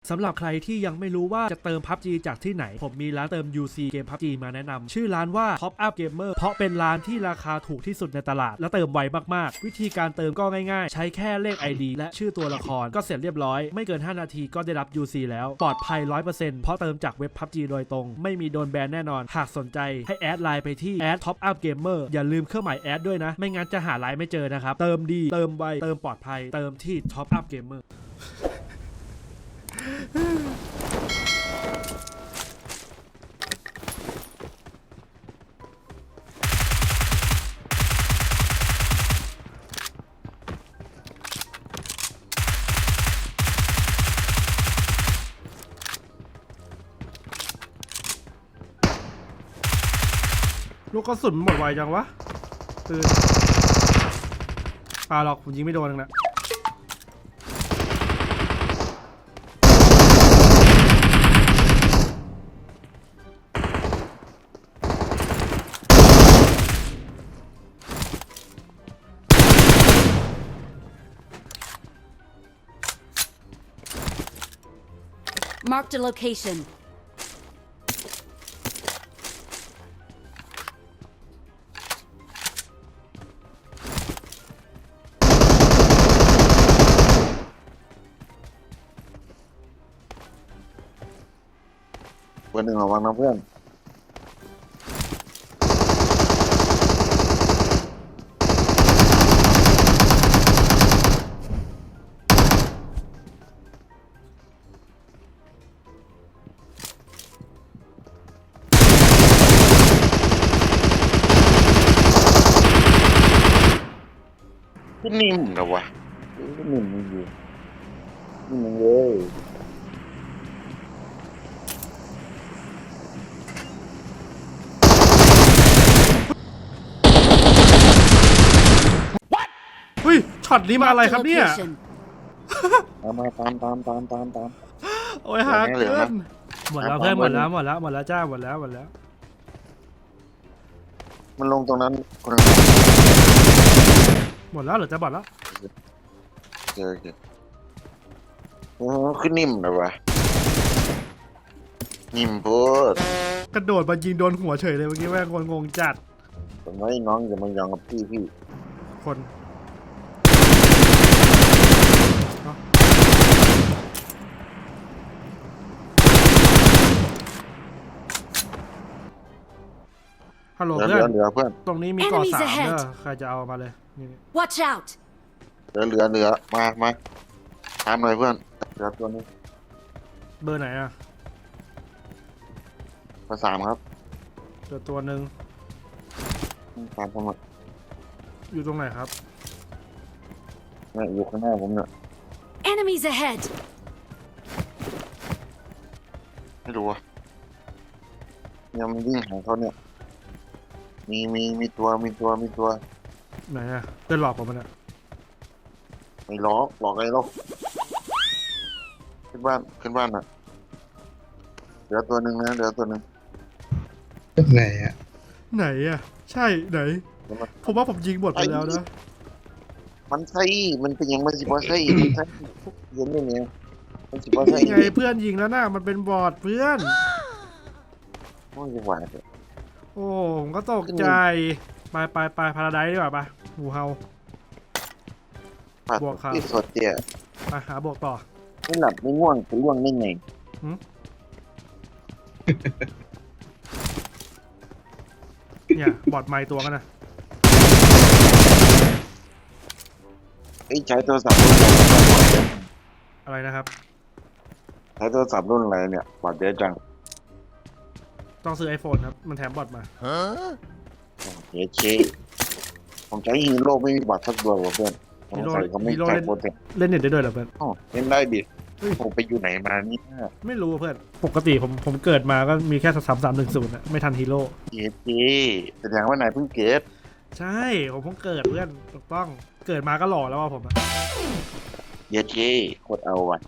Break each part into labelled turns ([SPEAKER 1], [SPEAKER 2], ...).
[SPEAKER 1] สำหรับใครที่ยังไม่รู้ว่าจะเติม PUBG จากที่ไหนผมมีร้านเติม UC เกม PUBG มาแนะนำชื่อร้านว่า Top Up Gamer เพราะเป็นร้านที่ราคาถูกที่สุดในตลาดและเติมไวมากๆวิธีการเติมก็ง่ายๆใช้แค่เลข ID และชื่อตัวละครก็เสร็จเรียบร้อยไม่เกิน5นาทีก็ได้รับ UC แล้วปลอดภัย 100% เพราะเติมจากเว็บ PUBG โดยตรงไม่มีโดนแบนแน่นอนหากสนใจให้แอดไลน์ไปที่ Top Up Gamer อย่าลืมเครื่องหมายแอดด้วยนะไม่งั้นจะหาไลน์ไม่เจอนะครับเติมดีเติมไวเติมปลอดภัยเติมที่ Top Up Gamerลูกกระสุนหมดไวจังวะปืนปาหรอกผมยิงไม่โดนนะ
[SPEAKER 2] Marked a location.
[SPEAKER 3] Gue nggak warna pen. Cái nim đâu à? Cái nim gì? Nim ơi.
[SPEAKER 1] เฮ้ยช็อตนี้มาอะไรครับเนี่ย
[SPEAKER 3] มาตาม
[SPEAKER 1] โอ้ยหาเกินหมดแล้วเพื่อนหมดแล้วจ้าหมดแล้ว
[SPEAKER 3] มันลงตรงนั้นคน
[SPEAKER 1] หมดแล้วเหรอจะบอดแล้ว
[SPEAKER 3] เจอโอ้ขึ้นนิ่มเลยวะนิ่มพูด
[SPEAKER 1] กระโดดมายิงโดนหัวเฉยเลยเมื่อกี้แม่งงงจัด
[SPEAKER 3] ผมว่าน้องอย่ามายองกับพี่
[SPEAKER 1] คนฮัลโหลเพื่อน
[SPEAKER 3] เหลือเพื่อน
[SPEAKER 1] ตรงนี้มีเกาะ3เด้อใครจะเอามาเลยนี่
[SPEAKER 2] Watch out.
[SPEAKER 3] เหลือมาตามเลยเพื่อนเหลือตัวนี้
[SPEAKER 1] เบอร์ไหนอ่ะ
[SPEAKER 3] เบอร์3ครับ
[SPEAKER 1] เหลือตัวหนึ่ง
[SPEAKER 3] ตามผม
[SPEAKER 1] อยู่ตรงไหนครับ
[SPEAKER 3] เนี่ยอยู่ข้างหน้าผมเนี่ย
[SPEAKER 2] Enemies ahead.
[SPEAKER 3] ไม่รู้อ่ะยังมันวิ่งหาเขาเนี่ยมีตัว
[SPEAKER 1] ไหนอ่ะเพื่อนหลอกผมมันอ่ะ
[SPEAKER 3] ไม่หลอกอะไรหรอกขึ้นบ้านอ่ะเหลือตัวหนึ่งนะ
[SPEAKER 4] ไหนอ่ะ
[SPEAKER 1] ใช่ไหนผมว่าผมยิงหมดไปแล้วนะ
[SPEAKER 3] มันใช่มันเป็นยังมันสิบว่าใช่มันใช่เย็นได้เนี่ยมันสิบว่าใช่
[SPEAKER 1] ไงเพื่อนยิงแล้วนะมันเป็นบอทเพื่อน
[SPEAKER 3] โอ้ยจังหวะเนี่ย
[SPEAKER 1] โอ้ผมก็ตกใจไปพาราไดซ์ดีกว่าปะหูเฮาบวกครับ
[SPEAKER 3] ที่สดเจี๊ย
[SPEAKER 1] ไปหาบวกต่อ
[SPEAKER 3] ไม่หลับไม่ง่วงจะล่วงได้ไง
[SPEAKER 1] เนี่ยบอดไม้ตัวกันนะ
[SPEAKER 3] ใช้โทรศัพท์รุ่น
[SPEAKER 1] อะไรนะครับ
[SPEAKER 3] ใช้โทรศัพท์รุ่นอะไรเนี่ยบอดเยอะจัง
[SPEAKER 1] ต้องซื้อ iPhone ครับมันแถมบอดมา
[SPEAKER 3] เฮ้ยเชผมใช้ฮีโร่ไม่มีบอดสักตัวเพื่อน
[SPEAKER 1] ฮีโร่เล่นเน็ตได้ด้วยเหรอเพื่อน
[SPEAKER 3] เล่นได้ดิผมไปอยู่ไหนมานี่
[SPEAKER 1] ไม่รู้เพื่อนปกติผมเกิดมาก็มีแค่3310นะไม่ทันฮีโร่
[SPEAKER 3] แสดงว่านายเพิ่งเกิด
[SPEAKER 1] ใช่ผมเพิ่งเกิดเพื่อนถูกต้องเกิดมาก็หล่อแล้วว่าผม
[SPEAKER 3] เย้โคตรเอาว่ะ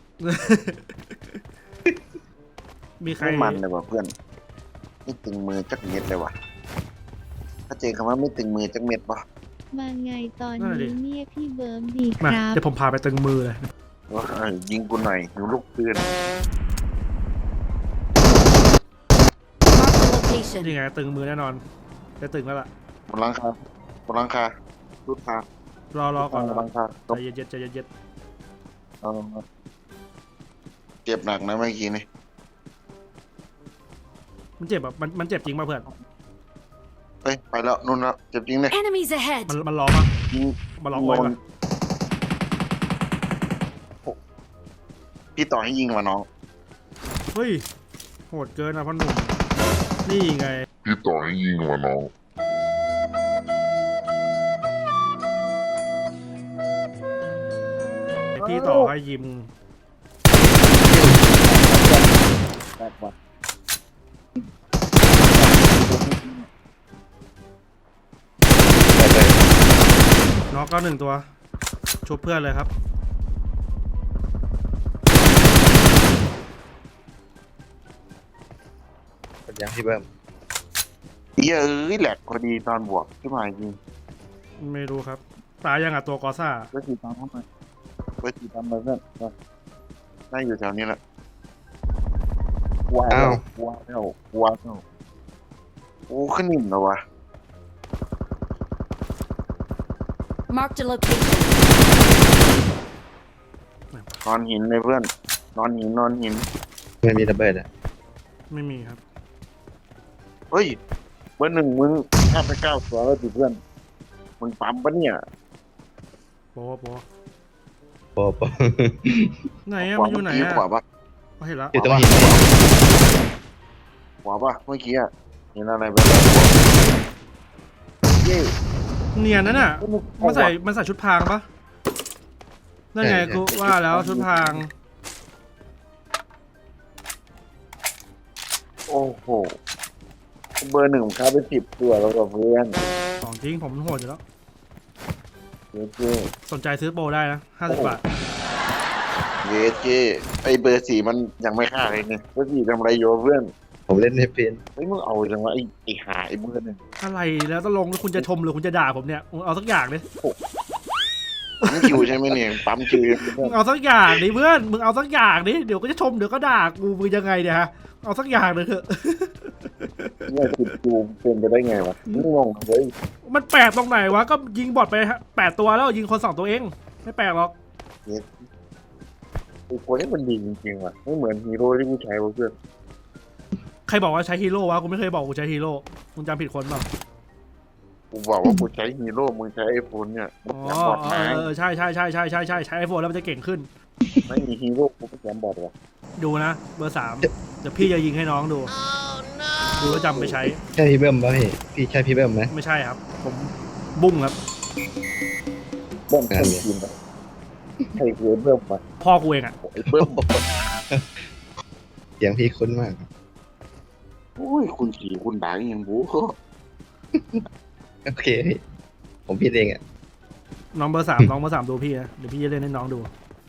[SPEAKER 1] มีใคร
[SPEAKER 3] มันเลยว่ะเพื่อนไม่ตึงมือจักเม็ดเลยว่ะถ้าเจอคำว่าไม่ตึงมือจักเม็ดป่ะ
[SPEAKER 5] มาไงตอนนี้เนี่ยพี่เบิร์มดีครับ
[SPEAKER 1] เดี๋ยวผมพาไปตึงมือเลย
[SPEAKER 3] ว่ายิงกูหน่อยหิวลูกปืน
[SPEAKER 2] Marked a location.
[SPEAKER 1] นี่ไงตึงมือแน่นอนจะตึงแล้วล่ะ
[SPEAKER 3] บนหลังคาบนหลังคารุดคาร
[SPEAKER 1] อก่อน
[SPEAKER 3] บนหลังคา
[SPEAKER 1] ใจเย็นๆใจเย็น
[SPEAKER 3] เอาลงมาเจ็บหนักนะเมื่อกี้นี่
[SPEAKER 1] ๆมันเจ็บแบบมันเจ็บจริงป่ะเพื่อน
[SPEAKER 3] เฮ้ยไปแล้วนู่นแล้วเจ็บจริงเลย
[SPEAKER 2] Enemies ahead.
[SPEAKER 1] มันรอป่ะ
[SPEAKER 3] ยิง
[SPEAKER 1] มันรอไว้ป่ะ
[SPEAKER 3] พี่ต่อให้ยิงมาน้อง
[SPEAKER 1] เฮ้ยโหดเกินนะพ่อหนุ่มนี่ไง
[SPEAKER 5] พี่ต่อให้ยิงมาน้อง
[SPEAKER 1] พี่ต่อให้ยิม
[SPEAKER 3] แตกว่ะ
[SPEAKER 1] น็อกก็หนึ่งตัวชุบเพื่อนเลยครับ
[SPEAKER 4] เป็นยังพี่เบิ้ม
[SPEAKER 3] เยอะแหลกพอดีตอนบวกขึ้นมาจริง
[SPEAKER 1] ไม่รู้ครับตายยังอ่ะตัวกอซ่า
[SPEAKER 3] เวทีตามเข้ามาเวทีตามมาเพื่อนได้อยู่แถวนี้แหละว้าวว้าวว้าวโอ้ขึ้นนิ่มแล้ววะ
[SPEAKER 2] Marked a location.
[SPEAKER 3] นอนหินเลยเพื่อนนอนหินนอนหิน
[SPEAKER 4] ไม่มีระเบิดอ่ะ
[SPEAKER 1] ไม่มีครับ
[SPEAKER 3] เฮ้ยเบอร์หนึ่งมึง59ตัวแล้วดิเพื่อนมึงปั๊มปะเนี่ย
[SPEAKER 1] โปโป
[SPEAKER 4] โป๊ะ
[SPEAKER 1] ไหนอะมันอยู่ไหนอะ
[SPEAKER 3] ขวาปะ
[SPEAKER 1] เห็นแล้ว
[SPEAKER 4] อยู่ตรงหิน
[SPEAKER 3] ขวาปะเมื่อกี้อะเห็นอะไรไปแล้วเย้
[SPEAKER 1] เนียนนั่นน่ะมันใส่ชุดพรางปะนั่นไงกูว่าแล้วชุดพราง
[SPEAKER 3] โอ้โหเบอร์หนึ่งค้าไป10 ตัวแล้วกับเพื่อน
[SPEAKER 1] ของจริงผมโหดอยู่แล้ว
[SPEAKER 3] เย้เจ้
[SPEAKER 1] สนใจซื้อโปรได้นะ50 บาท
[SPEAKER 3] เย้เจ้ไอเบอร์4มันยังไม่ฆ่าเลยเนี่ยเบอร์4ทำอะไรอยู่วะเพื่อน
[SPEAKER 4] ผมเล่นในเป็น
[SPEAKER 3] เฮ้ยมึงเอาจังวะไอหาไอเบอร์หนึ่ง
[SPEAKER 1] อะไรแล้วต้องลงแล้วคุณจะชมหรือคุณจะด่าผมเนี่ยมึงเอาสักอย่างดิ
[SPEAKER 3] ปั๊มคิวใช่ไหมเนี่ยปั๊มคิวเพื่
[SPEAKER 1] มึ
[SPEAKER 3] อน
[SPEAKER 1] งเอาสักอย่างดิเพื่อนมึงเอาสักอย่างดิเดี๋ยวก็จะชมเดี๋ยวก็ด่ากูมึงยังไงเนี่ยฮะเอาสักอย่างเลยเถอะ
[SPEAKER 3] เนี่ย10 คิวเป็นไปได้ไงวะมึงงงเลย
[SPEAKER 1] มันแปลกตรงไหนวะก็ยิงบอทไป8 ตัวแล้วยิงคน2 ตัวเองไม่แปลกหรอก
[SPEAKER 3] ไอคนนี้มันดีจริงๆว่ะไม่เหมือนฮีโร่ที่กูใช้วะเพื่อน
[SPEAKER 1] ใครบอกว่าใช้ฮีโร่วะกูไม่เคยบอกกูใช้ฮีโร่มึงจำผิดคนเปล่า
[SPEAKER 3] กูบอกว่ากูใช้ฮีโร่มึงใช้ไอโฟนเนี่ย
[SPEAKER 1] อ๋อ
[SPEAKER 3] แกมบอดมา
[SPEAKER 1] ใช่ใช้ไอโฟนแล้วมันจะเก่งขึ้น
[SPEAKER 3] ไม่มีฮีโร่กูก็แกมบอดว่ะ
[SPEAKER 1] ดูนะเบอร์ 3เดี๋ยวพี่จะยิงให้น้องดูดูแล้วจำไปใช้
[SPEAKER 4] ใช่พี่เบิ้มป่ะพี่ใช่พี่เบิ้มไหม
[SPEAKER 1] ไม่ใช่ครับ ผมบุ้งครับ
[SPEAKER 3] เบิ้มคนทีมอะใครคือเบิ้มวะ
[SPEAKER 1] พ่อกูเองอ่ะ
[SPEAKER 3] ไอเบิ้ม
[SPEAKER 4] เสียงพี่คุ้นมาก
[SPEAKER 3] โอ้ยคุณขี่คุณด่าอย่างบู
[SPEAKER 4] โอเคพี่ผมผิดเองอ่ะ
[SPEAKER 1] น้องเบอร์ 3น้องเบอร์ 3ดูพี่นะเดี๋ยวพี่จะเล่นให้น้องดู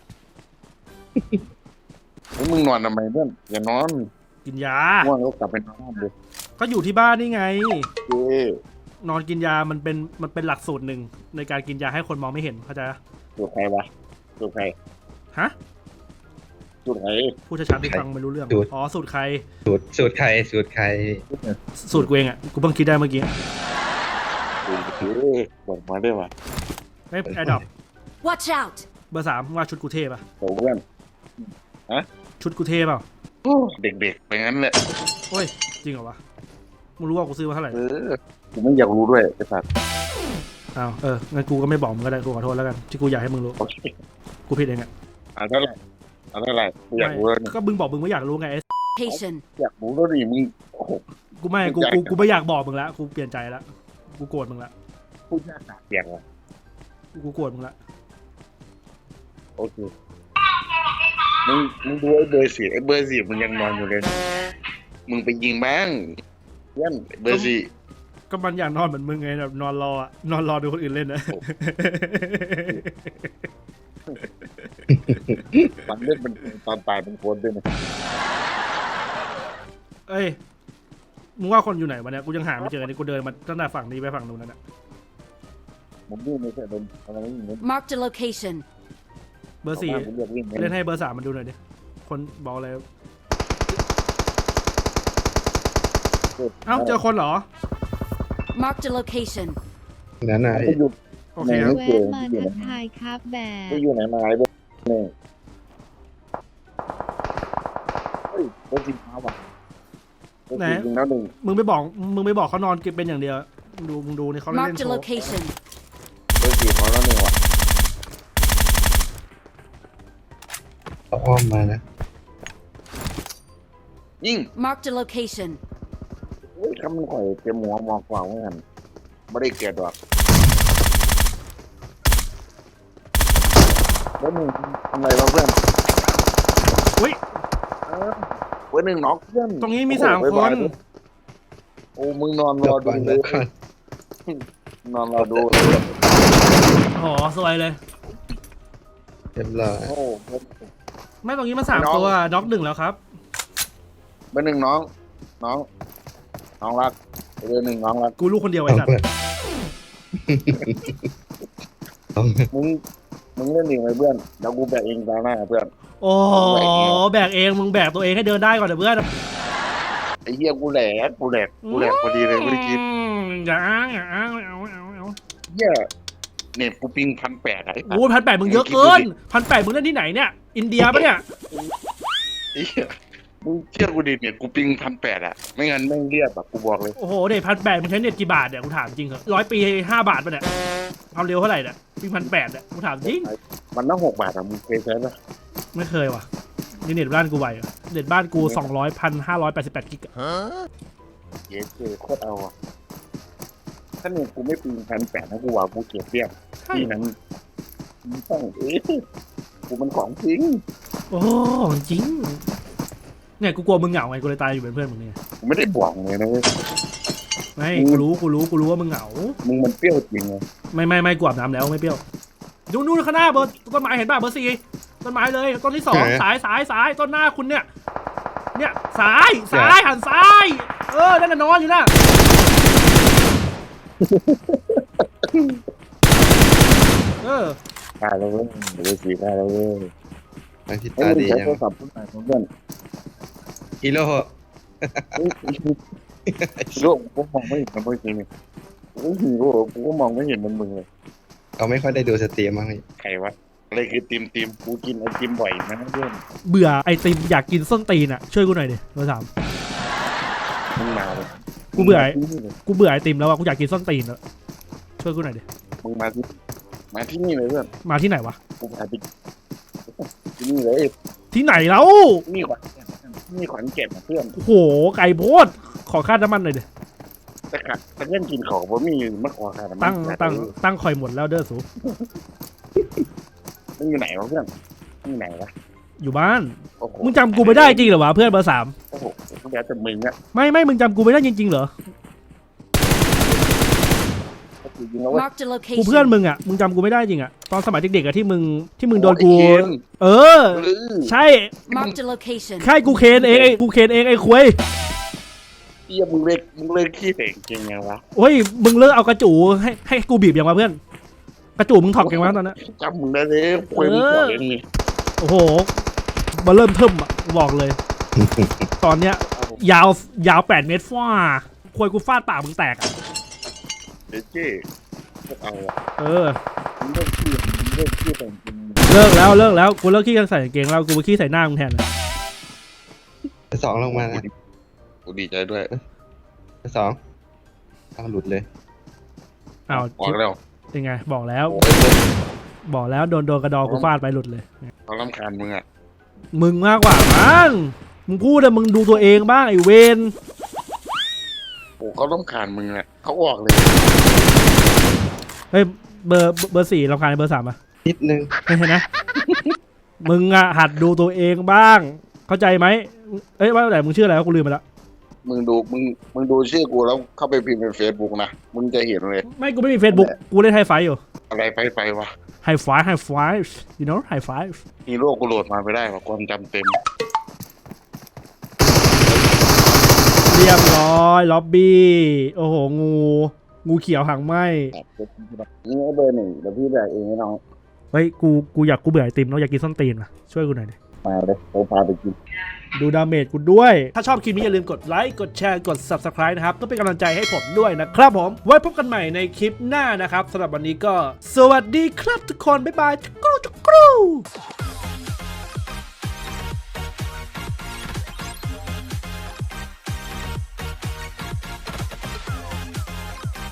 [SPEAKER 3] ไอ้มึงนอนทำไมเพื่อนอย่านอน
[SPEAKER 1] กินยา
[SPEAKER 3] ง่วงแล้วกลับไปนอนเลย
[SPEAKER 1] ก็อยู่ที่บ้านนี่ไง
[SPEAKER 3] เจ้
[SPEAKER 1] นอนกินยามันเป็นหลักสูตรหนึ่งในการกินยาให้คนมองไม่เห็นเข้าใจปะ
[SPEAKER 3] สูตรใครวะสูตรใคร
[SPEAKER 1] ฮะ
[SPEAKER 3] สูตรใคร
[SPEAKER 1] พูดช้าๆดิฟังไม่รู้เรื่องอ๋อสูตรใคร
[SPEAKER 4] สูตรใคร
[SPEAKER 1] สูตรกูเองอ่ะกูเพิ่งคิดได้เมื่อกี้
[SPEAKER 3] สูตรเจ้บอกมาได้ปะ
[SPEAKER 1] ไอ้แอดดอป
[SPEAKER 2] Watch out.
[SPEAKER 1] เบอร์ 3ว่าชุดกูเทป่ะ
[SPEAKER 3] โอ้เพื่อน
[SPEAKER 1] ชุดกูเทเปล่า
[SPEAKER 3] โอ้เด็กๆไปงั้นแหละ
[SPEAKER 1] โอ้ยจริงเหรอวะมึงรู้ว่ากูซื้อมาเท่าไหร่
[SPEAKER 3] กูไม่อยากรู้ด้วยไอ้สัตว์
[SPEAKER 1] อ้าวงั้นกูก็ไม่บอกมึงก็ได้กูขอโทษแล้วกันที่กูอยากให้มึงรู้
[SPEAKER 3] โอเค
[SPEAKER 1] กูผิดเองอ่ะ
[SPEAKER 3] เอาเท่าไหร่กูอยากรู้แล้วเนี่ย
[SPEAKER 1] ก็มึงบอกมึงไม่อยากรู้ไง
[SPEAKER 2] Location.
[SPEAKER 3] อยากรู้แล้วดิมึงโอ้โห
[SPEAKER 1] กูไม่กูไม่อยากบอกมึงละกูเปลี่ยนใจละกูโกรธมึงละ
[SPEAKER 3] พูดยากหนักเสียงว่ะ
[SPEAKER 1] กูโกรธมึงละ
[SPEAKER 3] โอเคมึงดูไอ้เบอร์สี่มึงยังนอนอยู่เลยมึงไปยิงบ้างเพื่อนเบอร์สี่
[SPEAKER 1] ก็มันอยากนอนเหมือนมึงไงแบบนอนรออะนอนรอดูคนอื่นเล่นนะ
[SPEAKER 3] มันเล่นเป็นตอนตายเป็นคนด้วยนะ
[SPEAKER 1] เอ้ยมึงว่าคนอยู่ไหนวะเนี่ยกูยังหาไม่เจอนี่กูเดินมาตั้งแต่ฝั่งนี้ไปฝั่งนู้นนั่นแหละ
[SPEAKER 3] ผมวิ่งไม่ใช่เป็นอะไรไม่มีเงิน
[SPEAKER 2] Marked a location.
[SPEAKER 1] เบอร์สี่
[SPEAKER 3] ผมเลือกวิ่ง
[SPEAKER 1] เล่นให้เบอร์3มันดูหน่อยดิคนบอกเลยเอ้าเจอคนเหรอ
[SPEAKER 2] Marked a location.
[SPEAKER 4] นั้นไหน
[SPEAKER 3] ไปอยู่
[SPEAKER 1] โอเคครับ
[SPEAKER 6] แวะมาทักทายครับแบ
[SPEAKER 3] ไป
[SPEAKER 6] บ
[SPEAKER 3] อยู่ไหนมาไอ้เบอร์นี่เฮ้ยเบอร์สี่มาว่ะเบอร์สี่ยิงแล้วหนึ่ง
[SPEAKER 1] มึงไปบอกเขานอนเก็บเป็นอย่างเดียวมึงดูนี่เขาเล่น
[SPEAKER 2] Marked
[SPEAKER 1] โช
[SPEAKER 2] a
[SPEAKER 1] ว์
[SPEAKER 2] location.
[SPEAKER 3] เบอร์สี่เขาแล้วหนึ่งว่ะ
[SPEAKER 4] เอาอ้อมมานะ
[SPEAKER 3] ยิง
[SPEAKER 2] Marked a location.
[SPEAKER 3] เฮ้ยคำมันข่อยเตรียมหัวมองกว่าเหมือนกันไม่ได้เกลียดหรอกเบอร์หนึ่งทำอะไรเราเพื่อน
[SPEAKER 1] อุ้ย
[SPEAKER 3] เบอร์หนึ่งน็อกเพื่อน
[SPEAKER 1] ตรงนี้มี
[SPEAKER 3] โอ้โห
[SPEAKER 1] 3 ค
[SPEAKER 3] บ๊ายบาย
[SPEAKER 1] น
[SPEAKER 3] โอ้มึงนอนร
[SPEAKER 4] เดี๋ย
[SPEAKER 3] อ
[SPEAKER 4] ว
[SPEAKER 3] ดู
[SPEAKER 4] ก่อน
[SPEAKER 3] เล
[SPEAKER 4] เดี๋ย
[SPEAKER 3] ยว
[SPEAKER 4] ก่อน
[SPEAKER 3] นอนรอดู
[SPEAKER 1] โอ้โหสวยเลย
[SPEAKER 4] เรียบร้อย
[SPEAKER 3] โอ้
[SPEAKER 1] ไม่ตรงนี้มัน
[SPEAKER 3] น้อง
[SPEAKER 1] 3 ตัวน็อก1แล้วครับ
[SPEAKER 3] เบอร์หนึ่งน้องรักเบอร์หนึ่งน้องรัก
[SPEAKER 1] กูลูกคนเดียว
[SPEAKER 4] เอา
[SPEAKER 1] ไอ้สัตว์
[SPEAKER 4] เพื่อนเอา
[SPEAKER 3] มึงเล่นเองเลยเพื่อนเดี๋ยวกูแบกเองตาหน้าเพื่อน
[SPEAKER 1] โอ้แบกเองมึงแบกตัวเองให้เดินได้ก่อนเดี๋ยวเพื่อน
[SPEAKER 3] ไอ้เหี้ยกูแหลกพอดีเลยไม่ได้คิด
[SPEAKER 1] อย่าอ้างไม่เอา
[SPEAKER 3] เหี้ยเน็ตกูปิง1,800ไอ้
[SPEAKER 1] โอ้1,800มึงเยอะเกิน1,800มึงเล่นที่ไหนเนี่ยอินเดียปะเนี่ย
[SPEAKER 3] ไอ้เหี้ยมึงเชื่อกูดิเน็ตกูปิง1,800อะไม่งั้นไม่งเรียบแบบกูบอกเลย
[SPEAKER 1] โอ้โหเด็ด1,800มึงใช้เน็ตกี่บาทเนี่ยกูถามจริงเหรอ100 ปี5 บาทปะเนี่ยความเร็วเท่าไหร่เนี่ยปี1,800เนี่ยกูถามจริง
[SPEAKER 3] มันต้อง6 บาทอะมึงเคยใช้ปะ
[SPEAKER 1] ไม่เคยว่ะนี่เน็ตบ้านกูไหวเหรอเน็ตบ้านกู200,588 กิกอะ
[SPEAKER 3] เย้เจโคตรเอาอะถ้าเน็ตกูไม่ปิง1,800นะกูว่ากูเกลียดเรียบ
[SPEAKER 1] ใช่
[SPEAKER 3] ที่นั้นมึงต้องกูมันของจริง
[SPEAKER 1] โอ้จริงเนี่ยกูกลัวมึงเหงาไงกูเลยตายอยู่เป็นเพื่อนมึงเนี่ย
[SPEAKER 3] กูไม่ได้บอกเลยนะเว้ย
[SPEAKER 1] ไม่กูรู้ว่ามึงเหงา
[SPEAKER 3] มึงมันเปรี้ยวจริงไง
[SPEAKER 1] ไม่กูอาบน้ำแล้วไม่เปรี้ยวดูนู่นข้างหน้าเบอร์ต้นไม้เห็นป่ะเบอร์4ต้นไม้เลยต้นที่2สายต้นหน้าคุณเนี่ยซ้ายหันซ้ายนั่นน่ะนอนอยู่น่ะ
[SPEAKER 3] ตายแล้วเว้ยเดี๋ยวสีตายแล้วเว้ย
[SPEAKER 4] ทางที่
[SPEAKER 3] ไอ้
[SPEAKER 4] ตา
[SPEAKER 3] มึง
[SPEAKER 4] ดี
[SPEAKER 3] ใช้
[SPEAKER 4] ยัง
[SPEAKER 3] โทรศัพท์เพื่อน
[SPEAKER 4] ฮีโร่
[SPEAKER 3] โลกกูมองไม่เห็นมันเมื่อกี้นี่โอ้โหกูก็มองไม่เห็นมันมึงเลย
[SPEAKER 4] เขาไม่ค่อยได้ดูสตรีมมั้งพี่
[SPEAKER 3] ใครวะอะไรคือติมกูกินไอติมบ่อยนะเพื่อน
[SPEAKER 1] เบื่อไอติมอยากกินส้นตีนอ่ะช่วยกูหน่อยดิเบอร์ 3
[SPEAKER 3] มึงมาเลย
[SPEAKER 1] กูเบื่อไอติมแล้วอ่ะกูอยากกินส้นตีนแล้วช่วยกูหน่อยดิ
[SPEAKER 3] มึงมาที่นี่เลยเพื่อน
[SPEAKER 1] มาที่ไหนวะ
[SPEAKER 3] กูพาไปที่นี่เลย
[SPEAKER 1] ที่ไหนแล้ว
[SPEAKER 3] นี่ขวัญเก็บเพื่อน
[SPEAKER 1] โอ้โหไก่โพดขอค่าน้ำมันหน่อยดิ
[SPEAKER 3] แต่ขัดแต่เล่นกินของผมมีมากกว่าค่ะ
[SPEAKER 1] ตั้งคอยหมดแล้วเด้อสู
[SPEAKER 3] มึงอยู่ไหนวะเพื่อนมึงอยู่ไหนวะ
[SPEAKER 1] อยู่บ้าน
[SPEAKER 3] โอ้โห
[SPEAKER 1] มึงจำกูไม่ได้จริงเหรอวะเพื่อนเบอร์ 3
[SPEAKER 3] โอ้โหกูแล้วแต่มึงอะ
[SPEAKER 1] ไม่มึงจำกูไม่ได้จริงๆเหรอ
[SPEAKER 3] จริงๆแล้วว่า
[SPEAKER 2] Marked a
[SPEAKER 1] กูเพื่อน
[SPEAKER 2] location.
[SPEAKER 1] มึงอ่ะมึงจำกูไม่ได้จริงอ่ะตอนสมัยเด็กๆอ่ะที่มึงโดนกู เออ ใช่
[SPEAKER 2] Marked a location.
[SPEAKER 1] ใช่กูเคนเองไอ้ควย
[SPEAKER 3] เอี้ยมึงเลิกขี้เต่งจริงยังวะ
[SPEAKER 1] โอ้ยมึงเลิกเอากระจูให้กูบีบยังวะเพื่อนกระจูมึงถอกยังวะตอนนั้น
[SPEAKER 3] จำมึงได้เลยคุยมึงก่อนเองนี่
[SPEAKER 1] โอ้โหมาเริ่มเทิมอ่ะกูบอกเลย ตอนเนี้ยยาว8 เมตรฟ้าควยกูฟาดปากมึงแตกอ่ะ
[SPEAKER 3] เดี๋ยวเจ๊เอาอะ มึงเลิกขี้แต่งจริง
[SPEAKER 1] เลิกแล้วกูเลิกขี้กันใส่กางเกงแล้วกูไปขี้ใส่หน้ามึงแทนเลย
[SPEAKER 4] สองลงมานะ
[SPEAKER 3] กูดีใจด้วย
[SPEAKER 4] สองเอาหลุดเลย
[SPEAKER 1] อ้าว
[SPEAKER 3] บอกแล้ว
[SPEAKER 1] เป็นไงบอกแล้ว
[SPEAKER 3] โอ้ย
[SPEAKER 1] โดนกระดองกูฟาดไปหลุดเลย
[SPEAKER 3] เขารำคาญมึงอะ
[SPEAKER 1] มึงมากกว่ามั้งมึงพูดแต่มึงดูตัวเองบ้างไอ้เวน
[SPEAKER 3] โอ้เขารำคาญมึงอะเขาออกเลย
[SPEAKER 1] เฮ้ยเบอร์ 4รำคาญเบอร์ 3อ่ะ
[SPEAKER 4] นิดนึง
[SPEAKER 1] ไม่ใช่นะ มึงอ่ะหัดดูตัวเองบ้าง เข้าใจไหมเอ้ยว่าแต่มึงชื่ออะไรวะกูลืมไปแล้ว
[SPEAKER 3] มึงดูชื่อกูแล้วเข้าไปพิมพ์ในเฟซบุ๊กนะมึงจะเห็นเลย
[SPEAKER 1] ไม่กูไม่มี Facebook กูเล่นไฮไฟอยู่
[SPEAKER 3] อะไรไปวะ
[SPEAKER 1] ไฮไฟyou know ไฮไฟ
[SPEAKER 3] ฮีโร่กูโหลดมาไม่ได้ว่ะความจำเต็ม
[SPEAKER 1] เรียบร้อยล็อบบี้โอ้โหงูเขียวหางไหม
[SPEAKER 3] นี่ไอ้เบอร์ 1เดี๋ยวพี่แบกเองให้น้อง
[SPEAKER 1] เฮ้ยกูอยากกูเบื่อไอติมเนาะอยากกินส้นตีนว่ะช่วยกูหน่อยดิ
[SPEAKER 3] มาเลยเราพาไปกิน
[SPEAKER 1] ดูดาเมจกูด้วย ถ้าชอบคลิปนี้อย่าลืมกดไลค์กดแชร์กด Subscribe นะครับก็เป็นกำลังใจให้ผมด้วยนะครับผมไว้พบกันใหม่ในคลิปหน้านะครับสำหรับวันนี้ก็สวัสดีครับทุกคนบ๊ายบายจุกรู